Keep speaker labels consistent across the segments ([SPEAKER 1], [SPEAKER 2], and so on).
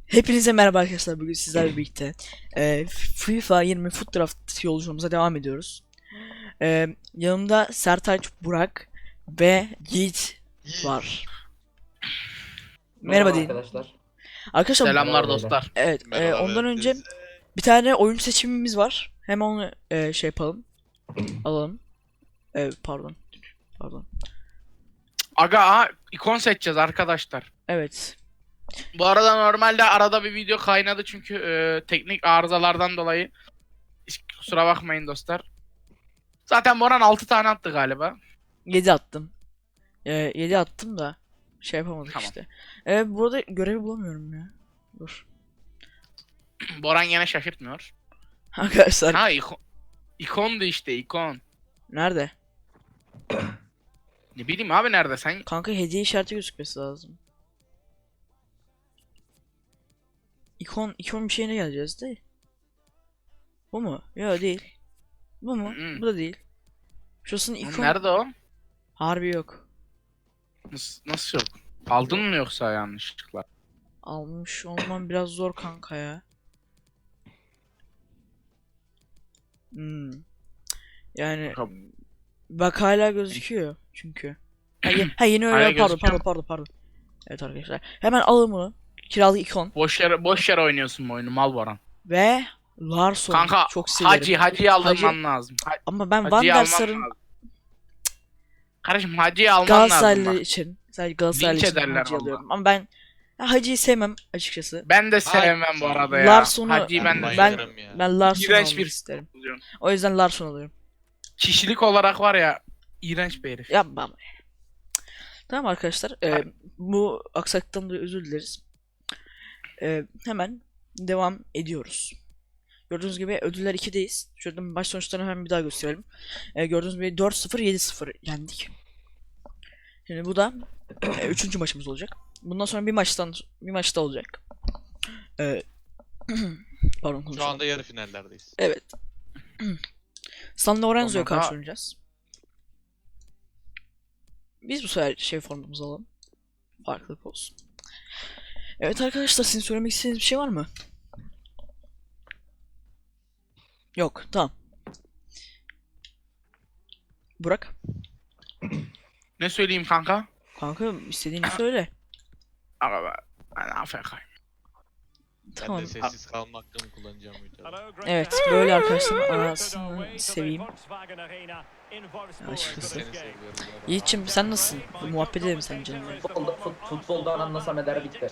[SPEAKER 1] Hepinize merhaba arkadaşlar. Bugün sizlerle birlikte FIFA 20 Foot Draft yolculuğumuza devam ediyoruz. Yanımda Sertaç, Burak ve Yiğit var. Merhaba deyin.
[SPEAKER 2] arkadaşlar.
[SPEAKER 1] Arkadaşlar
[SPEAKER 3] Selamlar
[SPEAKER 2] Merhaba
[SPEAKER 3] dostlar.
[SPEAKER 1] evet,
[SPEAKER 4] Merhaba,
[SPEAKER 1] ondan
[SPEAKER 4] evet,
[SPEAKER 1] önce
[SPEAKER 4] biz-
[SPEAKER 1] bir tane oyun seçimimiz var. Hemen onu şey yapalım. Alalım. Pardon.
[SPEAKER 3] Aga ikon seçeceğiz arkadaşlar.
[SPEAKER 1] Evet.
[SPEAKER 3] Bu arada normalde arada bir video kaynadı çünkü teknik arızalardan dolayı. Hiç kusura bakmayın dostlar. Zaten Boran 6 tane attı galiba.
[SPEAKER 1] 7 attım. 7 attım da şey yapamadık
[SPEAKER 3] Tamam.
[SPEAKER 1] işte. Burada görevi bulamıyorum ya. Dur.
[SPEAKER 3] Boran yine şaşırtmıyor.
[SPEAKER 1] Arkadaşlar
[SPEAKER 3] Ha ikondu işte ikon.
[SPEAKER 1] nerede?
[SPEAKER 3] Ne bileyim abi nerede sen?
[SPEAKER 1] Kanka hediye işareti gözükmesi lazım. İkon bir şeyine geleceğiz değil. Bu mu? Yok değil. Bu mu?
[SPEAKER 3] Mm-mm.
[SPEAKER 1] Bu da değil. Şurasının ikon
[SPEAKER 3] Nerede o?
[SPEAKER 1] harbi yok.
[SPEAKER 3] Nasıl yok? Aldın mı yoksa yanlışlıkla?
[SPEAKER 1] Almış olmam biraz zor kanka ya. Hmm. Yani bak hala gözüküyor çünkü. Ha yeni
[SPEAKER 3] Hala
[SPEAKER 1] öyle
[SPEAKER 3] gözüküyor
[SPEAKER 1] pardon. Evet arkadaşlar. Hemen alın bunu. Kiralık ikon
[SPEAKER 3] Boş yere oynuyorsun bu oyunu mal Boran.
[SPEAKER 1] ve Larson
[SPEAKER 3] Kanka
[SPEAKER 1] çok severim.
[SPEAKER 3] Hacı'yı aldırman lazım.
[SPEAKER 1] Ama ben Van
[SPEAKER 3] Hacı'yı
[SPEAKER 1] der
[SPEAKER 3] alman
[SPEAKER 1] Sar'ın
[SPEAKER 3] lazım. Kardeşim Hacı'yı alman lazım
[SPEAKER 1] Galatasaraylı
[SPEAKER 3] bak.
[SPEAKER 1] için sadece Galatasaraylı
[SPEAKER 3] Linç
[SPEAKER 1] için
[SPEAKER 3] ederler
[SPEAKER 1] Hacı
[SPEAKER 3] valla.
[SPEAKER 1] alıyorum. Ama ben Hacı'yı sevmem açıkçası.
[SPEAKER 3] Ben de sevmem bu arada ya.
[SPEAKER 1] Larson'u
[SPEAKER 3] Hacı'yı ben de
[SPEAKER 1] ben
[SPEAKER 4] bayılırım ya.
[SPEAKER 1] ben Larson'u
[SPEAKER 3] İğrenç
[SPEAKER 1] almak
[SPEAKER 3] bir
[SPEAKER 1] isterim.
[SPEAKER 3] alıyorum.
[SPEAKER 1] O yüzden Larson alıyorum.
[SPEAKER 3] Kişilik olarak var ya iğrenç bir herif.
[SPEAKER 1] Yapma. Tamam arkadaşlar. Bu aksaklıktan dolayı özür dileriz. Hemen devam ediyoruz. Gördüğünüz gibi ödüller 2'deyiz. Şöyle maç sonuçlarını hemen bir daha gösterelim. Gördüğünüz gibi 4-0 7-0 yendik. Şimdi bu da 3. maçımız olacak. Bundan sonra bir maçta olacak. Pardon
[SPEAKER 4] Şu
[SPEAKER 1] konuşalım.
[SPEAKER 4] anda yarı finallerdeyiz.
[SPEAKER 1] Evet. San Lorenzo'ya
[SPEAKER 3] Sonra da-
[SPEAKER 1] karşı oynayacağız. Biz bu sefer şey formumuzu alalım. Farklılık olsun. Evet arkadaşlar, sizin söylemek istediğiniz bir şey var mı? Yok, tamam. Burak,
[SPEAKER 3] Ne söyleyeyim kanka?
[SPEAKER 1] kanka istediğini söyle.
[SPEAKER 3] Aga ben AFK'yim.
[SPEAKER 1] Tamam.
[SPEAKER 4] Ben de sessiz kalma hakkımı kullanacağım videoda.
[SPEAKER 1] Evet, böyle arkadaşlar anasını seveyim. Açıkçası.
[SPEAKER 4] Seni seviyorum.
[SPEAKER 1] Yiğit'cim sen nasılsın? Bir muhabbet edelim sen canım.
[SPEAKER 2] Futboldan anlasam eder bitti.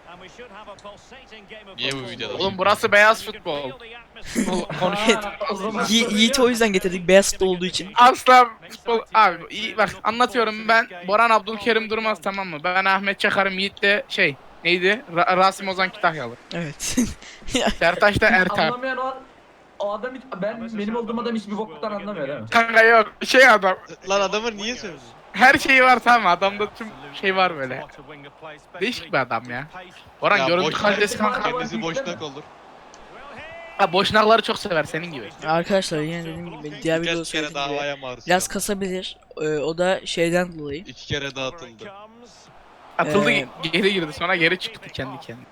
[SPEAKER 4] Niye bu videoda?
[SPEAKER 3] Oğlum burası beyaz futbol.
[SPEAKER 1] Evet.
[SPEAKER 2] O zaman
[SPEAKER 1] Yiğit'i o yüzden getirdik, beyaz futbol olduğu için.
[SPEAKER 3] Asla futbol abi iyi bak anlatıyorum ben Boran Abdülkerim Durmaz tamam mı? Ben Ahmet Çakar'ım Yiğit de şey neydi? Rasim Ozan Kütahyalı.
[SPEAKER 1] Evet.
[SPEAKER 3] Sertaç da Ertan.
[SPEAKER 2] anlamayan o adam hiç, benim olduğum adam hiçbir boktan anlamıyor değil mi?
[SPEAKER 3] Kanka yok şey adam.
[SPEAKER 4] Lan adamı niye sövdün?
[SPEAKER 3] Her şeyi var tamam adamda tüm şey var böyle. Değişik bir adam ya. Boran
[SPEAKER 4] Ya
[SPEAKER 3] görüntü
[SPEAKER 4] boş-
[SPEAKER 3] kalitesi kanka.
[SPEAKER 4] Kendisi boşnak olur.
[SPEAKER 3] Ha boşnakları çok sever senin gibi.
[SPEAKER 1] Arkadaşlar yine dediğim gibi diğer videoda
[SPEAKER 4] Birkaç kere
[SPEAKER 1] söylediğim gibi
[SPEAKER 4] davaya maruz
[SPEAKER 1] biraz
[SPEAKER 4] kaldı.
[SPEAKER 1] kasabilir. O da şeyden dolayı.
[SPEAKER 4] 2 kere dağıtıldı.
[SPEAKER 3] Atıldı
[SPEAKER 1] Ee,
[SPEAKER 3] geri girdi sonra geri çıktı kendi kendine.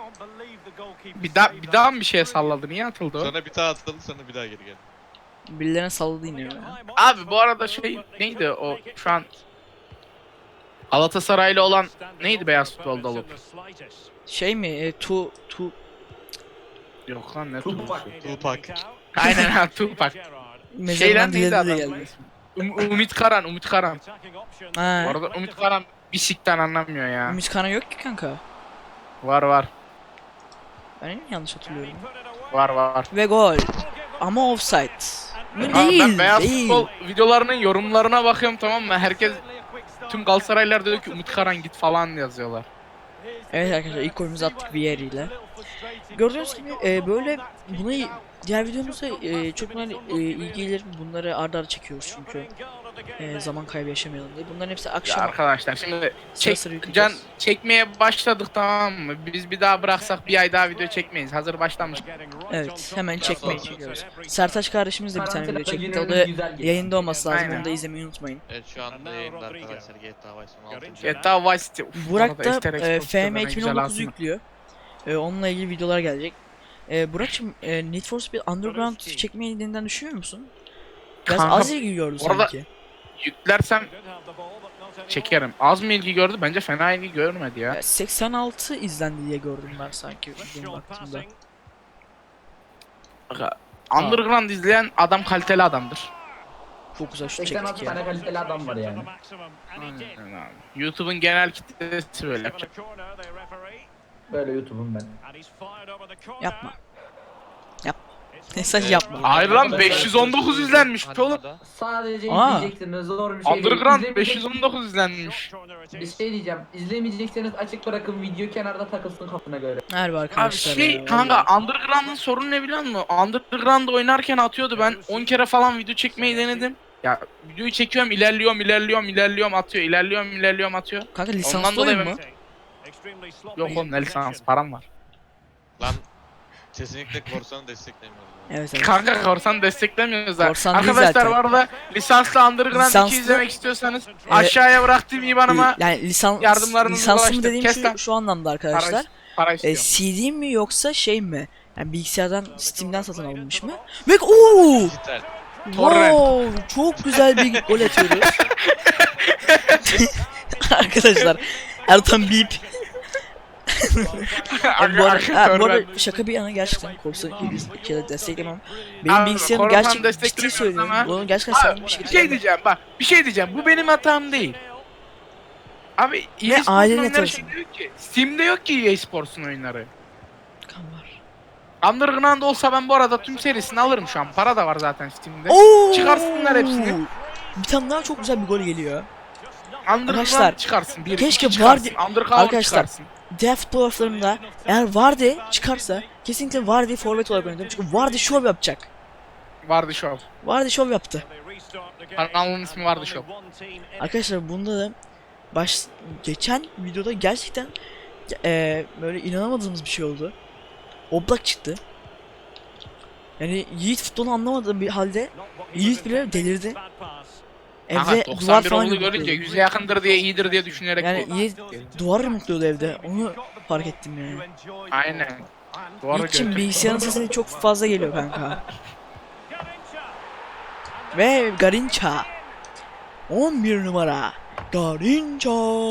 [SPEAKER 3] Bir daha mı bir şeye salladı niye atıldı o?
[SPEAKER 4] Sonra bir daha atıldı sonra bir daha geri geldi.
[SPEAKER 1] Birilerine salladı yine ya.
[SPEAKER 3] Abi bu arada şey neydi o şu an Galatasaraylı olan neydi beyaz futbolda olup?
[SPEAKER 1] Şey mi?
[SPEAKER 3] Yok lan ne
[SPEAKER 2] Tupac.
[SPEAKER 4] Tupac.
[SPEAKER 3] Aynen ha Tupac.
[SPEAKER 1] Mezarından
[SPEAKER 3] Şeyden neydi
[SPEAKER 1] diledi de
[SPEAKER 3] adam?
[SPEAKER 1] geldi.
[SPEAKER 3] Umut Karan.
[SPEAKER 1] Ha.
[SPEAKER 3] Bu arada Umut Karan bir sikten anlamıyor ya.
[SPEAKER 1] Ümit Karan yok ki kanka.
[SPEAKER 3] Var.
[SPEAKER 1] Ben mi yanlış hatırlıyorum?
[SPEAKER 3] Var.
[SPEAKER 1] Ve gol. Ama offside. Bu
[SPEAKER 3] Abi
[SPEAKER 1] değil,
[SPEAKER 3] ben beyaz
[SPEAKER 1] değil.
[SPEAKER 3] futbol videolarının yorumlarına bakıyorum tamam mı? Herkes tüm Galatasaraylılar diyor ki Umut Karan git falan yazıyorlar.
[SPEAKER 1] Evet arkadaşlar, ilk golümüzü attık Vieri ile. Gördüğünüz gibi böyle bunu diğer videomuzda çok böyle iyi gelir. Bunları arda arda çekiyoruz çünkü zaman kaybı yaşamayalım diye. Bunların hepsi
[SPEAKER 3] Ya
[SPEAKER 1] akşam
[SPEAKER 3] arkadaşlar şimdi
[SPEAKER 1] sıra sıra yükleyeceğiz.
[SPEAKER 3] çekmeye başladık tamam mı? Biz bir daha bıraksak bir ay daha video çekmeyiz. Hazır başlamış.
[SPEAKER 1] Evet, hemen çekmeyi çekiyoruz. Sertaç kardeşimiz de bir tane video çekti. O da
[SPEAKER 2] Güzel geçti.
[SPEAKER 1] yayında olması lazım.
[SPEAKER 3] Aynen.
[SPEAKER 1] Onu da izlemeyi unutmayın.
[SPEAKER 4] Evet şu anda yayında arkadaşlar GTA Vice 16.
[SPEAKER 3] GTA Vice City. Uf,
[SPEAKER 1] Burak
[SPEAKER 3] bu
[SPEAKER 1] da
[SPEAKER 3] arada Easter eggs
[SPEAKER 1] FM
[SPEAKER 3] postları ne güzel
[SPEAKER 1] 2019'u
[SPEAKER 3] aslında.
[SPEAKER 1] yüklüyor. Onunla ilgili videolar gelecek. Burak'cığım Need for Speed Underground çekmeyi yeniden düşünüyor musun? Biraz
[SPEAKER 3] Kanka,
[SPEAKER 1] az ilgi gördü
[SPEAKER 3] orada-
[SPEAKER 1] sanki.
[SPEAKER 3] Yüklersem çekerim. Az mı ilgi gördü? Bence fena ilgi görmedi ya.
[SPEAKER 1] 86 izlendi diye gördüm ben sanki benim baktığımda.
[SPEAKER 3] Underground izleyen adam kaliteli adamdır.
[SPEAKER 1] Çok güzel şut
[SPEAKER 2] 86
[SPEAKER 1] çektik ya.
[SPEAKER 2] tane kaliteli adam var yani.
[SPEAKER 3] Aynen abi. YouTube'un genel kitlesi böyle yapacak.
[SPEAKER 2] Böyle YouTube'um ben.
[SPEAKER 1] Yapma. Mesaj yapma.
[SPEAKER 3] Hayır lan 519 izlenmiş oğlum.
[SPEAKER 2] Sadece
[SPEAKER 1] Aa.
[SPEAKER 2] izleyeceksiniz, zor bir şey değil.
[SPEAKER 3] Underground
[SPEAKER 2] İzlemeyecek-
[SPEAKER 3] 519 izlenmiş.
[SPEAKER 2] Bir şey diyeceğim. İzlemeyecekseniz açık bırakın, video kenarda takılsın kafana göre.
[SPEAKER 1] Harbi
[SPEAKER 3] Abi
[SPEAKER 1] arkadaşlar
[SPEAKER 3] şey
[SPEAKER 1] ya,
[SPEAKER 3] kanka
[SPEAKER 1] vallahi.
[SPEAKER 3] Underground'ın sorunu ne biliyor musun? Underground oynarken atıyordu, ben 10 kere falan video çekmeyi denedim. Ya videoyu çekiyorum, ilerliyorum atıyor, ilerliyorum atıyor.
[SPEAKER 1] Kanka
[SPEAKER 3] Ondan
[SPEAKER 1] lisanslı
[SPEAKER 3] dolayı
[SPEAKER 1] oyun mu?
[SPEAKER 3] Yok oğlum ne lisans, param var.
[SPEAKER 4] Lan kesinlikle korsanı desteklemiyorum.
[SPEAKER 1] Evet evet.
[SPEAKER 3] Kanka korsan desteklemiyoruz da.
[SPEAKER 1] Korsan değil
[SPEAKER 3] Arkadaşlar
[SPEAKER 1] zaten.
[SPEAKER 3] bu arada lisanslı Underground 2
[SPEAKER 1] Lisanslı-
[SPEAKER 3] izlemek istiyorsanız aşağıya bıraktığım IBAN'ıma
[SPEAKER 1] Yani
[SPEAKER 3] yardımlarınızı
[SPEAKER 1] lisanslı mı
[SPEAKER 3] ulaştır.
[SPEAKER 1] dediğim
[SPEAKER 3] Kes lan.
[SPEAKER 1] şu anlamda arkadaşlar.
[SPEAKER 3] para istiyorum.
[SPEAKER 1] CD mi yoksa şey mi? Yani bilgisayardan Steam'den satın alınmış mı? Ve ooo!
[SPEAKER 4] Dijital.
[SPEAKER 1] Wow! Çok güzel bir gol atıyoruz. Arkadaşlar Ertan Bip. Bu arada şaka bir yana gerçekten korsan bir kere desteklemem. Benim
[SPEAKER 3] Abi,
[SPEAKER 1] bilgisayarım
[SPEAKER 3] korsan
[SPEAKER 1] gerçekten ciddi
[SPEAKER 3] desteklemiyoruz
[SPEAKER 1] söylüyorum.
[SPEAKER 3] ama-
[SPEAKER 1] Bunu gerçekten samimi bir
[SPEAKER 3] Bir
[SPEAKER 1] şekilde
[SPEAKER 3] şey diyeceğim bak. Bir şey diyeceğim. Bu benim hatam değil. Abi EA Sports'un
[SPEAKER 1] ailenin
[SPEAKER 3] oyunları
[SPEAKER 1] hatası.
[SPEAKER 3] şeyde yok ki. Steam'de yok ki EA Sports'un oyunları.
[SPEAKER 1] Kan var.
[SPEAKER 3] Underground olsa ben bu arada tüm serisini alırım şu an. Para da var zaten Steam'de.
[SPEAKER 1] Oo!
[SPEAKER 3] Çıkarsınlar hepsini.
[SPEAKER 1] Bir tane daha çok güzel bir gol geliyor.
[SPEAKER 3] Underground
[SPEAKER 1] Arkadaşlar,
[SPEAKER 3] çıkarsın. Bir,
[SPEAKER 1] keşke
[SPEAKER 3] iki çıkarsın.
[SPEAKER 1] Vardy-
[SPEAKER 3] Undercover
[SPEAKER 1] Arkadaşlar,
[SPEAKER 3] çıkarsın.
[SPEAKER 1] Diğer futbolcularımda eğer Vardy çıkarsa kesinlikle Vardy forvet olarak oynatırım. Çünkü Vardy şov yapacak.
[SPEAKER 3] Vardı Show.
[SPEAKER 1] Vardy şov yaptı.
[SPEAKER 3] Kanalın ismi Vardı Show.
[SPEAKER 1] Arkadaşlar bunda da geçen videoda gerçekten böyle inanamadığımız bir şey oldu. Oblak çıktı. Yani Yiğit futbolu anlamadığım bir halde Yiğit bile delirdi.
[SPEAKER 3] Aha,
[SPEAKER 1] Evde duvar
[SPEAKER 3] 91
[SPEAKER 1] falan
[SPEAKER 3] olduğunu görünce
[SPEAKER 1] yumrukluyordu.
[SPEAKER 3] yüze yakındır diye iyidir diye düşünerek.
[SPEAKER 1] Yani Yiğit duvar yumrukluyordu evde. Onu fark ettim yani.
[SPEAKER 3] Aynen. Doğru
[SPEAKER 1] Yiğit'cim
[SPEAKER 3] gördüm.
[SPEAKER 1] bilgisayarın sesini çok fazla geliyor kanka. Ve Garinca 11 numara Garinca.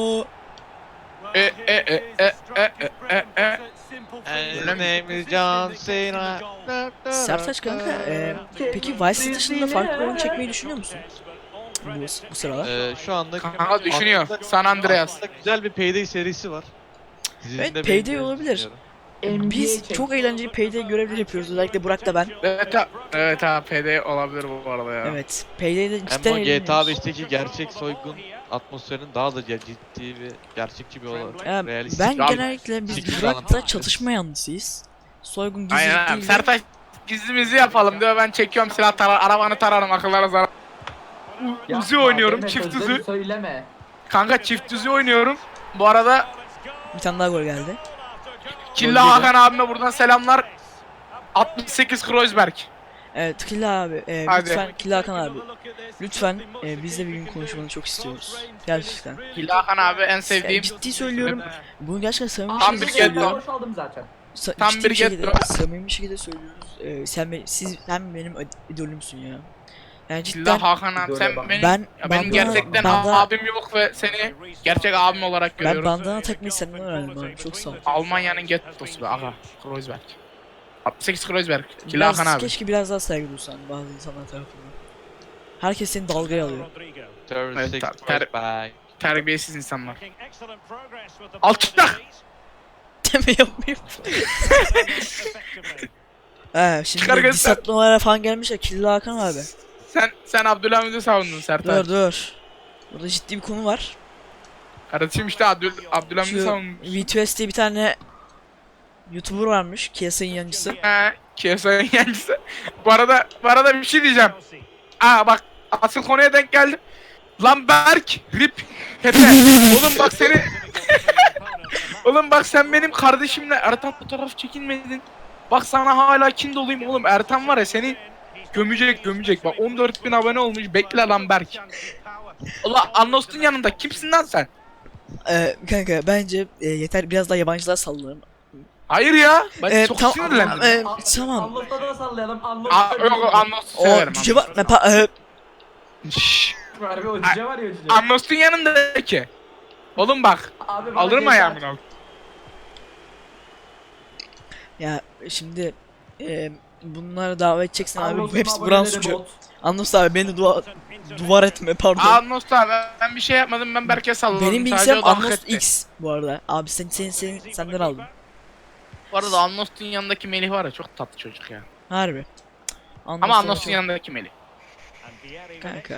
[SPEAKER 4] And name is John Cena.
[SPEAKER 1] Sertaç kanka peki Vice City dışında farklı bir oyun çekmeyi düşünüyor musun? Bu sıralar.
[SPEAKER 4] Şu anda
[SPEAKER 3] Kanka düşünüyor.
[SPEAKER 4] aslında-
[SPEAKER 3] San Andreas.
[SPEAKER 4] aslında güzel bir Payday serisi var. Sizin
[SPEAKER 1] Evet,
[SPEAKER 4] de
[SPEAKER 1] Payday
[SPEAKER 4] beğeneceğinizi
[SPEAKER 1] olabilir.
[SPEAKER 4] düşünüyorum.
[SPEAKER 1] Biz
[SPEAKER 2] çek.
[SPEAKER 1] çok eğlenceli Payday görevleri yapıyoruz. Özellikle Burak da ben.
[SPEAKER 3] Evet abi PD olabilir bu arada ya.
[SPEAKER 1] Evet. Payday'de
[SPEAKER 4] Hem
[SPEAKER 1] cidden
[SPEAKER 4] o GTA
[SPEAKER 1] eğleniyoruz.
[SPEAKER 4] 5'teki gerçek soygun atmosferinin daha da ciddi ve gerçekçi bir olarak
[SPEAKER 1] Ya,
[SPEAKER 4] realistik.
[SPEAKER 1] ben
[SPEAKER 3] Abi,
[SPEAKER 1] genellikle biz
[SPEAKER 4] fikir
[SPEAKER 1] Burak'ta
[SPEAKER 4] anlatabiliriz.
[SPEAKER 1] çatışma yanlısıyız. Soygun gizlilik
[SPEAKER 3] Aynen abi.
[SPEAKER 1] değil de-
[SPEAKER 3] Sertaç gizlimizi yapalım diyor. Ben çekiyorum silah arabanı tararım akıllara zarar. Uzi
[SPEAKER 2] Yapma,
[SPEAKER 3] oynuyorum
[SPEAKER 2] deme,
[SPEAKER 3] çift
[SPEAKER 2] sözleri
[SPEAKER 3] uzi.
[SPEAKER 2] Söyleme.
[SPEAKER 3] Kanka çift uzi oynuyorum. Bu arada
[SPEAKER 1] Bir tane daha gol geldi.
[SPEAKER 3] Killa Hakan abime buradan selamlar. 68 Kreuzberg.
[SPEAKER 1] Evet Killa abi.
[SPEAKER 3] Hadi.
[SPEAKER 1] Lütfen Killa Hakan abi. Lütfen bizle bir gün konuşmanı çok istiyoruz. Gerçekten.
[SPEAKER 3] Killa Hakan abi en sevdiğim.
[SPEAKER 1] Ciddi söylüyorum. Bunu gerçekten samimi bir
[SPEAKER 3] Tam
[SPEAKER 1] şekilde
[SPEAKER 3] bir getto.
[SPEAKER 1] söylüyorum.
[SPEAKER 2] Boşaldım zaten.
[SPEAKER 3] Tam
[SPEAKER 1] Ciddi
[SPEAKER 3] bir
[SPEAKER 1] bir şekilde,
[SPEAKER 3] getto.
[SPEAKER 1] samimi bir şekilde söylüyoruz. Sen benim idolümsün ya. Yani cidden
[SPEAKER 3] Killa Hakan abi sen
[SPEAKER 2] Ben-
[SPEAKER 3] benim,
[SPEAKER 1] ben
[SPEAKER 3] ya benim
[SPEAKER 1] bandana-
[SPEAKER 3] gerçekten
[SPEAKER 1] bandana-
[SPEAKER 3] abim yok ve seni gerçek abim olarak
[SPEAKER 1] ben
[SPEAKER 3] görüyorum.
[SPEAKER 1] bandana takmayı senden öğrendim abi. Çok sağ ol.
[SPEAKER 3] Almanya'nın gettosu be aga. Kreuzberg. 68 Kreuzberg. Killa
[SPEAKER 1] Biraz,
[SPEAKER 3] Hakan abi.
[SPEAKER 1] keşke biraz daha saygı duysan bazı insanlar tarafından. Herkes seni dalgaya alıyor.
[SPEAKER 4] 36
[SPEAKER 3] ter-
[SPEAKER 4] bye.
[SPEAKER 3] Terbiyesiz insanlar. Alçak!
[SPEAKER 1] Deme yapmayayım. Şimdi
[SPEAKER 3] Çıkar göster.
[SPEAKER 1] diss atmalara falan gelmiş ya Killa Hakan abi.
[SPEAKER 3] Sen Abdülhamid'i savundun Sertaç.
[SPEAKER 1] Dur. Burada ciddi bir konu var.
[SPEAKER 3] Kardeşim işte Abdülhamid'i
[SPEAKER 1] Şu
[SPEAKER 3] savundun.
[SPEAKER 1] V2S diye bir tane YouTuber varmış. KSI'nin yancısı.
[SPEAKER 3] He, KSI'nin yancısı. Bu arada bir şey diyeceğim. Aa bak asıl konuya denk geldim. Lan Berk, Rip, Pepe. Oğlum bak seni... Oğlum bak sen benim kardeşimle Ertan fotoğraf çekinmedin. Bak sana hala kin doluyum oğlum. Ertan var ya seni gömecek. Bak 14.000 abone olmuş. Bekle lan Berk. Ulan Anlos'un yanında kimsin lan sen?
[SPEAKER 1] Kanka bence yeter biraz daha yabancılar sallayalım.
[SPEAKER 3] Hayır ya. Ben çok
[SPEAKER 1] Tamam,
[SPEAKER 3] sinirlendim.
[SPEAKER 1] tamam.
[SPEAKER 2] Anlos'ta da sallayalım.
[SPEAKER 3] Yok Annos'u
[SPEAKER 1] O
[SPEAKER 3] severim.
[SPEAKER 1] cüce var.
[SPEAKER 3] Şşş.
[SPEAKER 2] Harbi o cüce var ya o cüce.
[SPEAKER 3] Annos'un yanındaki. Oğlum bak.
[SPEAKER 2] Abi bana
[SPEAKER 3] Alırım
[SPEAKER 2] şey
[SPEAKER 3] ayağımın
[SPEAKER 2] sar-
[SPEAKER 3] altına.
[SPEAKER 1] Ya şimdi bunları davet edeceksin abi.
[SPEAKER 2] Anlos'un
[SPEAKER 1] Hepsi buran
[SPEAKER 2] aboneleri
[SPEAKER 1] suçu.
[SPEAKER 2] bot.
[SPEAKER 1] Anlos abi beni duvar etme pardon.
[SPEAKER 3] Annos abi ben bir şey yapmadım, ben Berk'e salladım.
[SPEAKER 1] Benim
[SPEAKER 3] Sadece
[SPEAKER 1] bilgisayarım
[SPEAKER 3] o da hak
[SPEAKER 1] Anlos
[SPEAKER 3] etti.
[SPEAKER 1] X bu arada. Abi senden aldım.
[SPEAKER 3] Bu arada Annos'un yanındaki Melih var ya, çok tatlı çocuk ya.
[SPEAKER 1] Harbi.
[SPEAKER 3] Ama Annos'un yanındaki Melih.
[SPEAKER 1] Kanka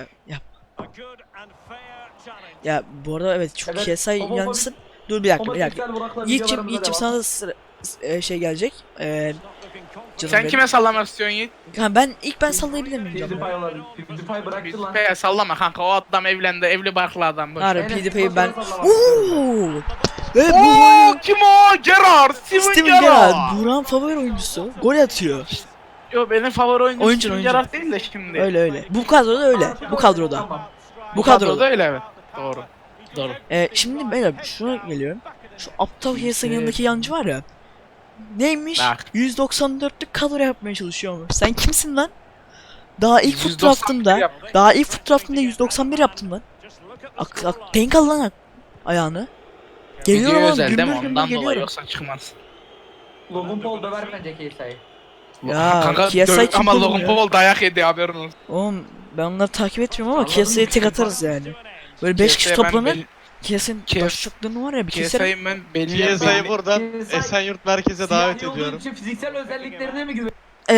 [SPEAKER 1] ya bu arada evet çok
[SPEAKER 2] Evet,
[SPEAKER 1] KSI
[SPEAKER 2] homofobik-
[SPEAKER 1] yancısın. Dur bir dakika.
[SPEAKER 2] Homoseksüel Burak'la
[SPEAKER 1] Yiğit'cim
[SPEAKER 2] videolarımıza
[SPEAKER 1] sana
[SPEAKER 2] devam.
[SPEAKER 1] da şey gelecek. Canım
[SPEAKER 3] Sen
[SPEAKER 1] benim.
[SPEAKER 3] kime sallamak istiyorsun Yiğit?
[SPEAKER 1] Ha, ben sallayabilir miyim canım?
[SPEAKER 2] PewDiePie olan. PewDiePie bıraktı lan.
[SPEAKER 3] PewDiePie'ye sallama kanka, o adam evlendi, evli barklı adam. Boş.
[SPEAKER 1] Harbi
[SPEAKER 2] Enes,
[SPEAKER 1] PewDiePie'yi ben...
[SPEAKER 2] Burak'la sallamak istiyorum.
[SPEAKER 1] Ooo! Ve bu
[SPEAKER 3] Ooo kim o? Gerard! Steven
[SPEAKER 1] Steven
[SPEAKER 3] Gerrard!
[SPEAKER 1] Gerrard, Burak'ın favori oyuncusu. Gol atıyor.
[SPEAKER 3] Yo benim favori oyuncum
[SPEAKER 1] Oyuncu,
[SPEAKER 3] Steven
[SPEAKER 1] oyuncu.
[SPEAKER 3] Gerrard değil de şimdi.
[SPEAKER 1] Öyle. Bu kadroda öyle. Bu kadroda.
[SPEAKER 2] Tamam.
[SPEAKER 1] Bu kadroda.
[SPEAKER 3] öyle evet. Doğru. Doğru.
[SPEAKER 1] Şimdi beyler şuna geliyorum. Şu aptal Hiyas'ın yanındaki yancı var ya. Neymiş?
[SPEAKER 3] Bak.
[SPEAKER 1] 194'lük kadro yapmaya çalışıyormuş. Sen kimsin lan? Daha ilk foot
[SPEAKER 3] 191
[SPEAKER 1] draft'ımda,
[SPEAKER 3] yapmış.
[SPEAKER 1] daha ilk foot draft'ımda 191 yaptım lan. Denk al lan ayağını. Geliyorum
[SPEAKER 3] Video
[SPEAKER 1] oğlum,
[SPEAKER 3] özel değil mi?
[SPEAKER 1] gümbür gümbür
[SPEAKER 3] Ondan dolayı
[SPEAKER 1] geliyorum.
[SPEAKER 3] yoksa çıkmaz.
[SPEAKER 2] Logan Paul döver bence KSI'yi.
[SPEAKER 1] Ya,
[SPEAKER 3] Kanka
[SPEAKER 1] KSI kim
[SPEAKER 3] ama
[SPEAKER 1] oğlum
[SPEAKER 3] Logan
[SPEAKER 1] ya?
[SPEAKER 3] Paul dayak yedi, haberin olsun.
[SPEAKER 1] Oğlum ben onları takip etmiyorum ama
[SPEAKER 2] Anladım,
[SPEAKER 1] KSI'ye tek
[SPEAKER 2] bir
[SPEAKER 1] atarız yani. Böyle 5 kişi toplanır. KSI'nin
[SPEAKER 3] KS
[SPEAKER 1] başlıklarını var ya bir keserim.
[SPEAKER 3] KSI'yi ben belli
[SPEAKER 4] PSI'yi buradan
[SPEAKER 2] PSI
[SPEAKER 4] Esenyurt merkeze davet
[SPEAKER 2] siyahi olduğu
[SPEAKER 4] ediyorum.
[SPEAKER 2] için fiziksel özelliklerine mi güven?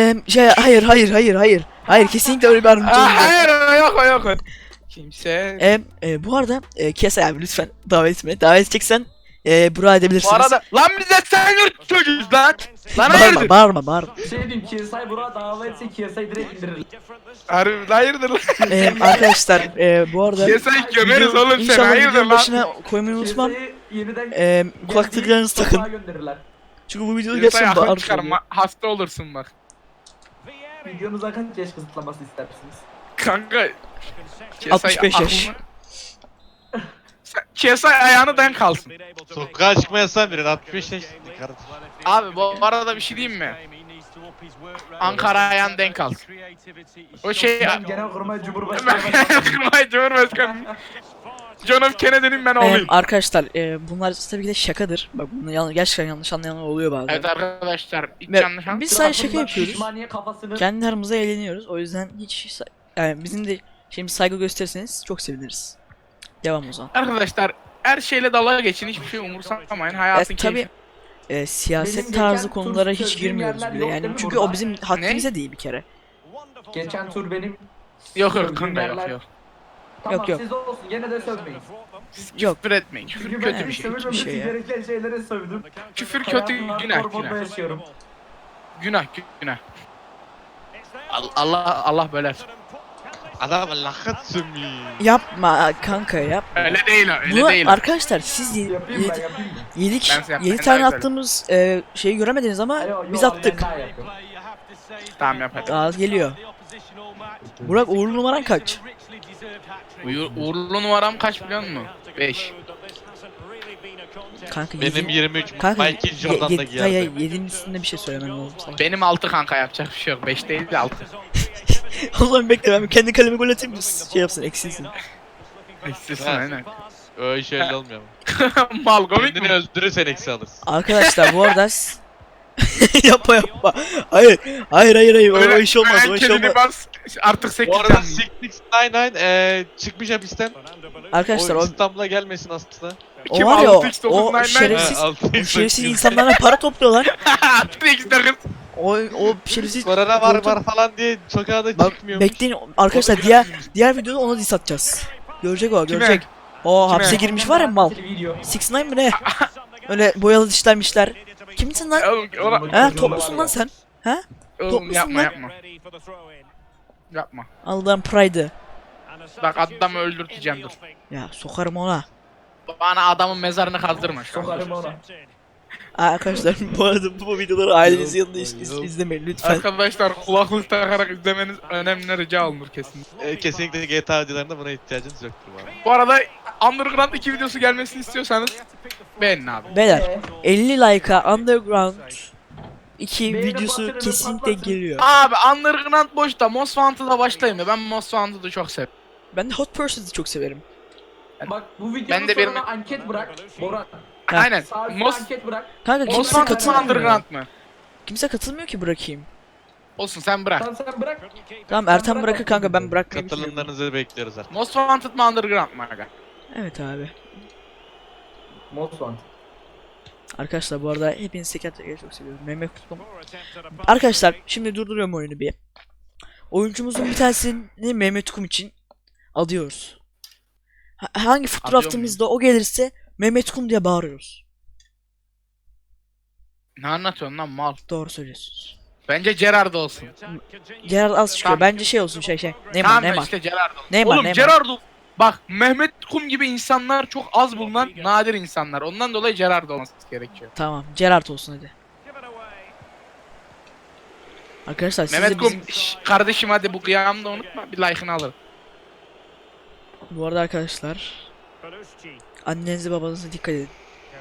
[SPEAKER 1] Hayır kesinlikle öyle bir yardımcı olmuyor.
[SPEAKER 3] Hayır yok. Kimse...
[SPEAKER 1] Bu arada KSI abi lütfen davet etme. Davet edeceksen Burak'a edebilirsiniz.
[SPEAKER 3] Bu arada lan bize sen yurt çocuğuz lan. Lan
[SPEAKER 1] Bağırma
[SPEAKER 3] hayırdır?
[SPEAKER 1] bağırma.
[SPEAKER 2] Şey diyeyim KSI Burak'a davet etse KSI direkt indirir.
[SPEAKER 3] Harbi hayırdır lan?
[SPEAKER 1] Arkadaşlar bu arada
[SPEAKER 3] KSI gömeriz oğlum seni,
[SPEAKER 1] İnşallah
[SPEAKER 3] hayırdır
[SPEAKER 1] videonun
[SPEAKER 3] lan?
[SPEAKER 1] başına koymayı unutmam.
[SPEAKER 2] KSI'yi yeniden
[SPEAKER 1] Kulaklıklarınızı
[SPEAKER 2] geldiği
[SPEAKER 1] takın.
[SPEAKER 2] sokağa gönderirler.
[SPEAKER 1] Çünkü bu videoda
[SPEAKER 3] KSI
[SPEAKER 1] gerçekten
[SPEAKER 3] akıl
[SPEAKER 1] bağırır.
[SPEAKER 3] çıkarma, hasta olursun bak.
[SPEAKER 2] Videonuza kaç yaş kısıtlaması istersiniz?
[SPEAKER 3] Kanka...
[SPEAKER 1] 65 yaş.
[SPEAKER 3] KSI ayağını denk alsın.
[SPEAKER 4] Sokağa çıkma yasağı verin 65 yaş kardeşim.
[SPEAKER 3] Abi bu arada bir şey diyeyim mi? Ankara ayağını denk alsın. O şey...
[SPEAKER 2] Ben Genelkurmay Cumhurbaşkanı.
[SPEAKER 3] Kırmay Cumhurbaşkanı. John F. Kennedy'nin ben olayım.
[SPEAKER 1] Arkadaşlar bunlar tabii ki de şakadır. Bak bunu gerçekten yanlış anlayanlar oluyor bazen.
[SPEAKER 3] Evet arkadaşlar, hiç
[SPEAKER 1] Ve
[SPEAKER 3] yanlış anlamayın.
[SPEAKER 1] biz sadece şaka yapıyoruz.
[SPEAKER 2] Şişmaniye kafasını
[SPEAKER 1] Kendi aramızda eğleniyoruz. O yüzden hiç yani bizim de şimdi saygı gösterirseniz çok seviniriz. Devam o zaman.
[SPEAKER 3] Arkadaşlar her şeyle dalga geçin, hiçbir şey umursamayın. Hayatın
[SPEAKER 1] tabii
[SPEAKER 3] keyfi.
[SPEAKER 1] siyaset
[SPEAKER 2] Benim
[SPEAKER 1] tarzı
[SPEAKER 2] geçen
[SPEAKER 1] konulara
[SPEAKER 2] tur
[SPEAKER 1] hiç
[SPEAKER 2] çözdüğüm
[SPEAKER 1] girmiyoruz
[SPEAKER 2] yerler
[SPEAKER 1] bile
[SPEAKER 2] yok
[SPEAKER 1] yani.
[SPEAKER 2] değil mi
[SPEAKER 1] Çünkü
[SPEAKER 2] burada?
[SPEAKER 1] o bizim haddimize değil bir kere.
[SPEAKER 2] geçen tur benim
[SPEAKER 3] Yok
[SPEAKER 2] sövdüğüm
[SPEAKER 3] kanka
[SPEAKER 2] yerler-
[SPEAKER 3] yok.
[SPEAKER 2] Tamam
[SPEAKER 1] Yok.
[SPEAKER 2] siz olsun gene de sövmeyin.
[SPEAKER 1] Yok.
[SPEAKER 3] Küfür etmeyin. Küfür
[SPEAKER 2] Çünkü ben
[SPEAKER 3] kötü bir şey.
[SPEAKER 2] sövülmemesi
[SPEAKER 1] şey ya.
[SPEAKER 2] gereken şeylere sövdüm.
[SPEAKER 3] Küfür kötü,
[SPEAKER 2] Hayatımda
[SPEAKER 3] günah
[SPEAKER 2] hormonda
[SPEAKER 3] günah.
[SPEAKER 2] yaşıyorum.
[SPEAKER 3] Günah. Allah böler.
[SPEAKER 4] Adam lakat sümüğü.
[SPEAKER 1] Yapma kanka yapma.
[SPEAKER 3] Öyle değil o, öyle
[SPEAKER 1] Bunu
[SPEAKER 3] değil o.
[SPEAKER 1] arkadaşlar siz
[SPEAKER 2] Yapayım ben yapayım mı?
[SPEAKER 1] 7
[SPEAKER 3] Ben
[SPEAKER 1] 7
[SPEAKER 3] daha
[SPEAKER 1] tane
[SPEAKER 3] güzel.
[SPEAKER 1] attığımız şeyi göremediniz ama
[SPEAKER 2] Yo,
[SPEAKER 1] biz
[SPEAKER 2] yo,
[SPEAKER 1] attık.
[SPEAKER 2] ben daha yapıyorum.
[SPEAKER 3] Tamam yap hadi.
[SPEAKER 1] Daha geliyor. Burak uğurlu numaran kaç?
[SPEAKER 3] Uğurlu numaram kaç biliyor musun? 5.
[SPEAKER 1] Kanka
[SPEAKER 4] Benim 23
[SPEAKER 1] Kanka
[SPEAKER 4] Michael Jordan da giyerdi.
[SPEAKER 1] hayır 7'nin üstünde bir şey söylemen lazım sana.
[SPEAKER 3] Benim 6 kanka, yapacak bir şey yok. 5 değil de 6.
[SPEAKER 1] Allah'ım bekle ben kendi kalemi gol atayım mı? Şey yapsın eksilsin.
[SPEAKER 3] Eksisin
[SPEAKER 4] Ha.
[SPEAKER 3] aynen.
[SPEAKER 4] Öyle şöyle olmuyor mu?
[SPEAKER 3] Mal komik
[SPEAKER 4] Kendini
[SPEAKER 3] mi?
[SPEAKER 4] öldürürsen eksi alırsın.
[SPEAKER 1] Arkadaşlar bu arada yapma. Hayır o iş olmaz o iş
[SPEAKER 3] Kendini
[SPEAKER 1] olmaz.
[SPEAKER 3] bas. Artık 8
[SPEAKER 4] Bu arada 699 çıkmış hapisten.
[SPEAKER 1] Arkadaşlar
[SPEAKER 4] O
[SPEAKER 1] o
[SPEAKER 4] İstanbul'a gelmesin aslında.
[SPEAKER 1] o var ya o
[SPEAKER 3] şerefsiz.
[SPEAKER 1] şerefsiz
[SPEAKER 4] Ha,
[SPEAKER 1] o şerefsiz insanlara para topluyorlar.
[SPEAKER 3] 6x9.
[SPEAKER 1] O şerefsiz
[SPEAKER 4] Korona var falan diye sokağa da
[SPEAKER 1] Bak
[SPEAKER 4] çıkmıyor.
[SPEAKER 1] bekleyin arkadaşlar diğer videoda ona diss atacağız. Görecek o
[SPEAKER 3] Kime?
[SPEAKER 1] görecek. O
[SPEAKER 3] Kime?
[SPEAKER 1] hapse girmiş var ya mal.
[SPEAKER 2] Video.
[SPEAKER 1] 6ix9ine mi ne? Öyle boyalı dişlermişler. Kimsin lan? Ha toplusun lan sen.
[SPEAKER 3] Oğlum
[SPEAKER 1] Toplusun
[SPEAKER 3] yapma
[SPEAKER 1] lan.
[SPEAKER 3] yapma. Yapma.
[SPEAKER 1] Allah'ın pride'ı.
[SPEAKER 3] Bak adamı öldürteceğim dur.
[SPEAKER 1] Ya sokarım ona.
[SPEAKER 3] Bana adamın mezarını kazdırma şu an.
[SPEAKER 2] Sokarım ona.
[SPEAKER 1] Arkadaşlar bu arada bu videoları ailenizin yanında izlemeyin lütfen.
[SPEAKER 3] Arkadaşlar kulaklık takarak izlemeniz önemli, rica olunur kesin.
[SPEAKER 4] Kesinlikle GTA videolarında buna ihtiyacınız yoktur bu arada.
[SPEAKER 3] Bu arada Underground 2 videosu gelmesini istiyorsanız beğenin abi.
[SPEAKER 1] Beyler 50 like'a Underground 2
[SPEAKER 2] Beğeni
[SPEAKER 1] videosu
[SPEAKER 2] butonunu
[SPEAKER 1] kesinlikle
[SPEAKER 2] patlatın.
[SPEAKER 1] geliyor.
[SPEAKER 3] Abi Underground boşta Most Wanted'a başlayayım ya. Ben Most Wanted'ı çok seviyorum.
[SPEAKER 1] Ben de Hot Pursuit'ı çok severim.
[SPEAKER 2] Bak bu videonun
[SPEAKER 3] Ben de bir-
[SPEAKER 2] sonuna anket bırak. Boran.
[SPEAKER 1] Ha.
[SPEAKER 3] Aynen.
[SPEAKER 2] Sağ üstte
[SPEAKER 3] Most
[SPEAKER 2] anket bırak.
[SPEAKER 1] Kanka
[SPEAKER 3] Most
[SPEAKER 1] kimse
[SPEAKER 3] Wanted mı
[SPEAKER 1] katılmıyor.
[SPEAKER 3] Underground mı?
[SPEAKER 1] Kimse katılmıyor ki bırakayım.
[SPEAKER 3] Olsun sen bırak.
[SPEAKER 2] Tamam sen bırak.
[SPEAKER 1] Tamam Ertan
[SPEAKER 2] bırak
[SPEAKER 1] bırakır kanka, ben bırakmayayım.
[SPEAKER 4] Katılımlarınızı bekliyoruz artık.
[SPEAKER 3] Most Wanted mı Underground mı aga?
[SPEAKER 1] Evet abi.
[SPEAKER 2] Most Wanted.
[SPEAKER 1] Arkadaşlar bu arada hepinizi teker teker çok seviyorum. Mehmet Kutlu. Arkadaşlar şimdi durduruyorum oyunu bir. Oyuncumuzun bir tanesini Mehmet Kum için alıyoruz. Hangi fotoğrafımızda o gelirse Mehmet Kum diye bağırıyoruz.
[SPEAKER 3] Ne anlatıyorsun lan mal?
[SPEAKER 1] Doğru söylüyorsunuz.
[SPEAKER 3] Bence Gerrard olsun.
[SPEAKER 1] Gerard az çıkıyor.
[SPEAKER 3] Tamam.
[SPEAKER 1] Bence şey olsun şey. Neymar
[SPEAKER 3] Tamam
[SPEAKER 1] Neymar.
[SPEAKER 3] işte Gerrard olsun.
[SPEAKER 1] Neymar,
[SPEAKER 3] Oğlum
[SPEAKER 1] Neymar.
[SPEAKER 3] Gerrard ol. Bak Mehmet Kum gibi insanlar çok az bulunan nadir insanlar. Ondan dolayı Gerrard olması gerekiyor.
[SPEAKER 1] Tamam Gerard olsun hadi. Arkadaşlar siz
[SPEAKER 3] Mehmet
[SPEAKER 1] de
[SPEAKER 3] Kum
[SPEAKER 1] bizim...
[SPEAKER 3] kardeşim hadi bu kıyamı da unutma bir like'ını alır.
[SPEAKER 1] Bu arada arkadaşlar annenize babanıza dikkat edin.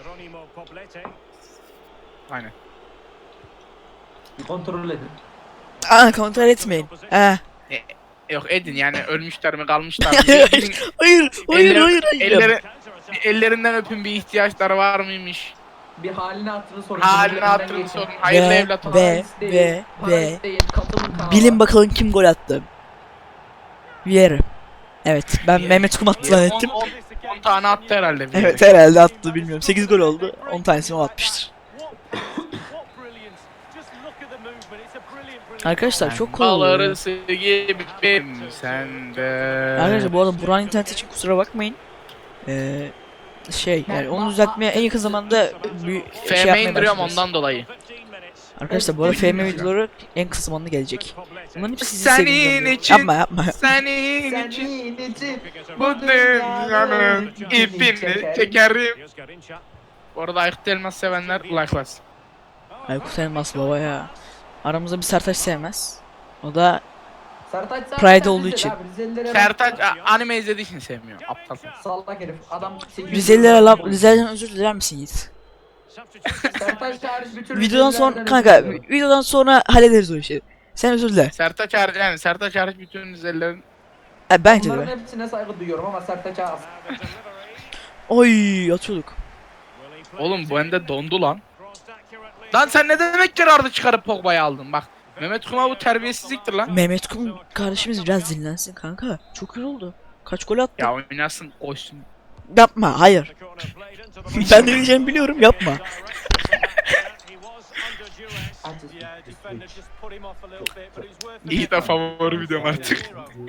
[SPEAKER 3] Aynen.
[SPEAKER 2] Bir kontrol edin.
[SPEAKER 1] Aa kontrol etmeyin.
[SPEAKER 3] Yok edin yani ölmüşler mi kalmışlar mı?
[SPEAKER 1] Hayır,
[SPEAKER 3] Gidin,
[SPEAKER 1] hayır, hayır,
[SPEAKER 3] eller-
[SPEAKER 1] hayır, hayır.
[SPEAKER 3] ellerinden öpün bir ihtiyaçları var mıymış?
[SPEAKER 2] Bir halini hatırını sorun.
[SPEAKER 3] Halini
[SPEAKER 2] Üzerinden
[SPEAKER 3] hatırını
[SPEAKER 2] geçin.
[SPEAKER 3] sorun. Hayırlı
[SPEAKER 1] Ve-
[SPEAKER 3] evlat olsun.
[SPEAKER 1] ve-
[SPEAKER 2] Paris değil, Paris
[SPEAKER 1] ve-
[SPEAKER 2] değil, katılın kanala.
[SPEAKER 1] Bilin bakalım kim gol attı. Viera. Evet ben Mehmet Kum attı zannettim.
[SPEAKER 3] 10 tane attı herhalde. bir
[SPEAKER 1] Evet
[SPEAKER 3] yere.
[SPEAKER 1] herhalde attı bilmiyorum. 8 gol oldu. 10 tanesini o atmıştır. Arkadaşlar çok kolay oluyor.
[SPEAKER 3] Bağlarısı gibiyim sende.
[SPEAKER 1] Arkadaşlar bu arada Burak'ın interneti için kusura bakmayın. Şey yani onu düzeltmeye en yakın zamanda bir şey
[SPEAKER 3] FM
[SPEAKER 1] yapmaya
[SPEAKER 3] indiriyorum
[SPEAKER 1] başlayacağız.
[SPEAKER 3] ondan dolayı.
[SPEAKER 1] Arkadaşlar bu arada FM videoları en kısa zamanda gelecek. Bunların hepsi sizin
[SPEAKER 3] Senin
[SPEAKER 1] sevdiğinizden.
[SPEAKER 3] için-
[SPEAKER 1] Yapma yapma.
[SPEAKER 3] Senin için
[SPEAKER 2] Senin için
[SPEAKER 3] bu dünyanın ipini çekerim. Bu arada Aykut Elmas sevenler like'lasın.
[SPEAKER 1] Aykut Elmas baba ya. Aramızda bir Sertaç sevmez. O da
[SPEAKER 2] Sertaç zaten
[SPEAKER 1] Pride olduğu
[SPEAKER 2] Rizeli
[SPEAKER 1] için.
[SPEAKER 2] abi, Rizelilere
[SPEAKER 3] Sertaç
[SPEAKER 2] bak-
[SPEAKER 3] anime izlediği için sevmiyor. Aptal.
[SPEAKER 2] Sallak herif. Adam 800
[SPEAKER 1] Rizelilere laf Rize'den özür diler misin Yiğit?
[SPEAKER 2] Sertaç hariç bütün
[SPEAKER 1] Videodan sonra
[SPEAKER 2] Rizelilerden
[SPEAKER 1] kanka
[SPEAKER 2] özür diliyorum.
[SPEAKER 1] videodan sonra hallederiz o işi. Sen özür dile.
[SPEAKER 3] Sertaç hariç yani Sertaç hariç bütün izlerilerin
[SPEAKER 1] Bence de.
[SPEAKER 2] Bunların hepsine saygı duyuyorum ama Sertaç'a az.
[SPEAKER 1] Oy atıyorduk.
[SPEAKER 3] oğlum bu bende dondu lan. Lan sen ne demek Gerard'ı çıkarıp Pogba'yı aldın bak. Mehmet Kuma bu terbiyesizliktir lan.
[SPEAKER 1] Mehmet Kum kardeşimiz biraz dinlensin kanka. Çok iyi oldu. Kaç gol attı?
[SPEAKER 3] Ya oynasın koşsun.
[SPEAKER 1] Yapma hayır. Ben de diyeceğimi biliyorum yapma.
[SPEAKER 3] İyi de favori videom artık.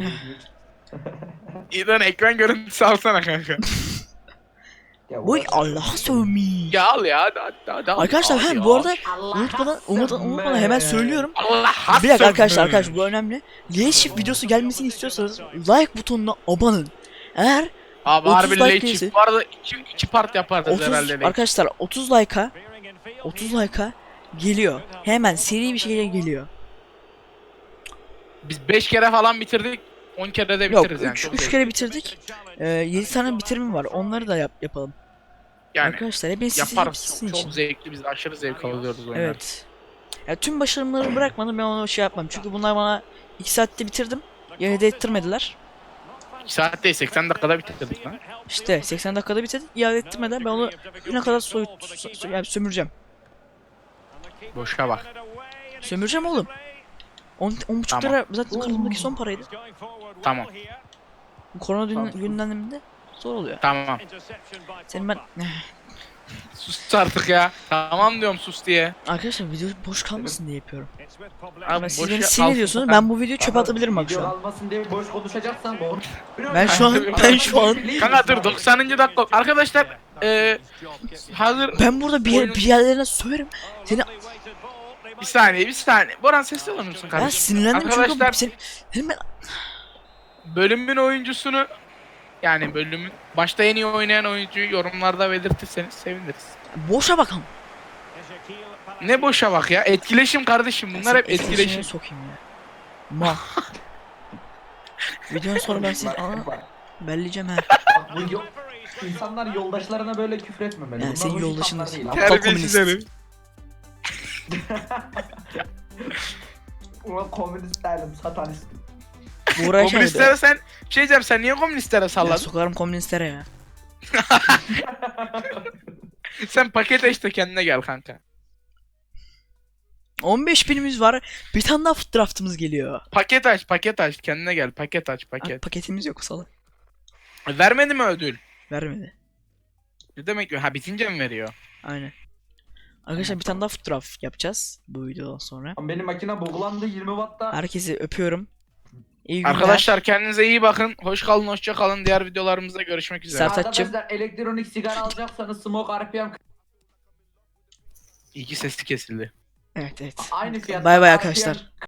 [SPEAKER 3] İyi de ekran görüntüsü alsana kanka.
[SPEAKER 2] Ya
[SPEAKER 1] Oy
[SPEAKER 2] uğraş-
[SPEAKER 1] Allah sövmeyi.
[SPEAKER 3] Ya al ya hadi al
[SPEAKER 1] Arkadaşlar
[SPEAKER 3] ya.
[SPEAKER 1] bu arada
[SPEAKER 2] Allah
[SPEAKER 1] unutmadan hemen söylüyorum.
[SPEAKER 3] Allah
[SPEAKER 1] Bir dakika arkadaşlar
[SPEAKER 3] hassın.
[SPEAKER 1] bu önemli. Leadership videosu gelmesini istiyorsanız like butonuna abanın. Eğer
[SPEAKER 3] Abi
[SPEAKER 1] 30
[SPEAKER 3] harbi
[SPEAKER 1] like
[SPEAKER 3] like
[SPEAKER 1] gelirse-
[SPEAKER 3] bu arada iki part yaparız
[SPEAKER 1] 30
[SPEAKER 3] herhalde. like.
[SPEAKER 1] arkadaşlar 30 like'a geliyor. Hemen seri bir şeyle geliyor.
[SPEAKER 3] Biz 5 kere falan bitirdik. 10 kere de
[SPEAKER 1] Yok
[SPEAKER 3] bitiririz yani.
[SPEAKER 1] 3
[SPEAKER 3] Çok
[SPEAKER 1] 3
[SPEAKER 3] zevkli.
[SPEAKER 1] kere bitirdik. 7 tane bitirimim var. Onları da yapalım.
[SPEAKER 3] Yani
[SPEAKER 1] Arkadaşlar hepiniz sizin
[SPEAKER 3] yaparız.
[SPEAKER 1] sizin
[SPEAKER 3] Çok,
[SPEAKER 1] için.
[SPEAKER 3] çok zevkli biz aşırı zevk alıyoruz oyunlar.
[SPEAKER 1] Evet. Ya tüm başarımları bırakmadım ben onu şey yapmam. Çünkü bunlar bana 2 saatte bitirdim. Yine de ettirmediler.
[SPEAKER 3] 2 saat değil 80 dakikada bitirdik lan.
[SPEAKER 1] İşte 80 dakikada bitirdik. İade ettirmeden ben onu güne kadar yani sömüreceğim.
[SPEAKER 3] Boşa bak.
[SPEAKER 1] Sömüreceğim oğlum. 10,5
[SPEAKER 3] Tamam.
[SPEAKER 1] lira zaten kartımdaki son paraydı.
[SPEAKER 3] Tamam.
[SPEAKER 1] Bu korona
[SPEAKER 2] Tamam.
[SPEAKER 1] gündeminde zor oluyor.
[SPEAKER 3] Tamam.
[SPEAKER 1] Senin ben
[SPEAKER 3] Sus artık ya. Tamam diyorum sus diye.
[SPEAKER 1] arkadaşlar video boş kalmasın diye yapıyorum.
[SPEAKER 3] Abi
[SPEAKER 1] Ama siz beni
[SPEAKER 3] boşa
[SPEAKER 1] sinir
[SPEAKER 3] al-
[SPEAKER 1] ediyorsunuz. Ben bu videoyu çöpe atabilirim bak şu
[SPEAKER 2] Video
[SPEAKER 1] an.
[SPEAKER 2] almasın diye boş konuşacaksan doğru.
[SPEAKER 1] Ben şu an
[SPEAKER 3] Kanka dur 90. dakika. Arkadaşlar hazır
[SPEAKER 1] Ben burada bir yerlerine söverim. Seni
[SPEAKER 3] bir saniye. Boran sesli olur musun
[SPEAKER 1] ben
[SPEAKER 3] kardeşim?
[SPEAKER 1] sinirlendim
[SPEAKER 3] Arkadaşlar
[SPEAKER 1] çünkü senin ben
[SPEAKER 3] bölümün oyuncusunu yani bölümün başta en iyi oynayan oyuncuyu yorumlarda belirtirseniz seviniriz.
[SPEAKER 1] boşa bakalım.
[SPEAKER 3] Ne boşa bak ya. Etkileşim kardeşim. Bunlar hep
[SPEAKER 1] Etkileşime
[SPEAKER 3] etkileşim.
[SPEAKER 1] sokayım ya. Ma. Videonun sonra ben seni belleyeceğim ha.
[SPEAKER 2] Bu İnsanlar yoldaşlarına böyle küfür etmemeli.
[SPEAKER 1] Yani
[SPEAKER 2] Bunlar
[SPEAKER 1] senin
[SPEAKER 2] hoş
[SPEAKER 1] yoldaşın
[SPEAKER 2] insanlar değil.
[SPEAKER 1] da-
[SPEAKER 2] Ama
[SPEAKER 1] Aptal
[SPEAKER 3] Terbiyesiz
[SPEAKER 1] komünist.
[SPEAKER 3] herif.
[SPEAKER 2] ulan komünist değilim, satanistim.
[SPEAKER 1] Buğra şeydi.
[SPEAKER 3] Komünistlere sen bir şey diyeceğim, sen niye komünistlere
[SPEAKER 1] Ya
[SPEAKER 3] salladın?
[SPEAKER 1] sokarım komünistlere ya.
[SPEAKER 3] Sen pakete işte kendine gel kanka.
[SPEAKER 1] 15 binimiz var. Bir tane daha foot draftımız geliyor.
[SPEAKER 3] Paket aç kendine gel, paket aç
[SPEAKER 1] Abi
[SPEAKER 3] paket.
[SPEAKER 1] paketimiz yok salak.
[SPEAKER 3] Vermedi mi ödül?
[SPEAKER 1] Vermedi.
[SPEAKER 3] Ne demek ha, bitince mi veriyor?
[SPEAKER 1] Aynen. Arkadaşlar bir tane daha foot draft yapacağız bu videodan sonra.
[SPEAKER 2] Ama benim makine buglandı 20 wattta.
[SPEAKER 1] Herkesi öpüyorum. İyi günler.
[SPEAKER 3] Arkadaşlar kendinize iyi bakın. Hoş kalın, hoşça kalın. Diğer videolarımızda görüşmek üzere.
[SPEAKER 1] Sertaç'cığım.
[SPEAKER 2] Arkadaşlar elektronik sigara alacaksanız Smoke RPM
[SPEAKER 3] İyi ki sesi kesildi.
[SPEAKER 1] Evet evet.
[SPEAKER 2] aynı fiyat.
[SPEAKER 1] Bay bay arkadaşlar.